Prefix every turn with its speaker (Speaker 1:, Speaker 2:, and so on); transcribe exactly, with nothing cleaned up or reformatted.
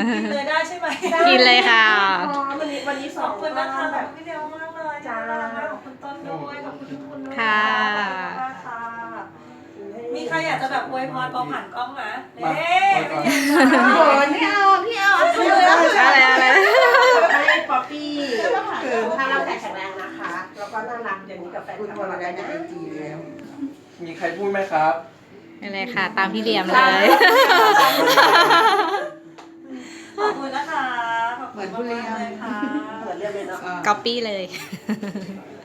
Speaker 1: กินเลยได้ใช่ไหม
Speaker 2: กินเลยค่ะ
Speaker 3: วันนี้วันนี้ส
Speaker 1: ข
Speaker 3: อ
Speaker 1: อง บคุณนะคะข
Speaker 3: แบ
Speaker 1: อบบ คุณพี่เดียวมากเลยจ้าขอบคุณต้นด้วยขอบคุณทุกคนด้วย
Speaker 2: ค่ะ
Speaker 1: ขอบคุณมากค่ะมีใครอยากจะแบบอวยพรปอผ่านกล้องไหมเอ๊ะ
Speaker 3: โอ้ยพี่เอาพี่เอาคือ
Speaker 2: อะไรอะไร
Speaker 3: ให้ป๊อปปี้คือถ้าร่างกายแข็งแรงนะคะ แล้วก็น่ารักอย่างนี้กับแฟนคลับเราได้นะ
Speaker 4: มีใครพูดไหมครับ
Speaker 2: นี่เลยค่ะ ตามพี่เหลี่ยมเลย
Speaker 1: ขอบคุณนะคะขอบคุณมากๆเลยค่ะ
Speaker 3: เหมือนเรียนเลยเนาะ
Speaker 2: ก๊อปปี้เลย
Speaker 3: เ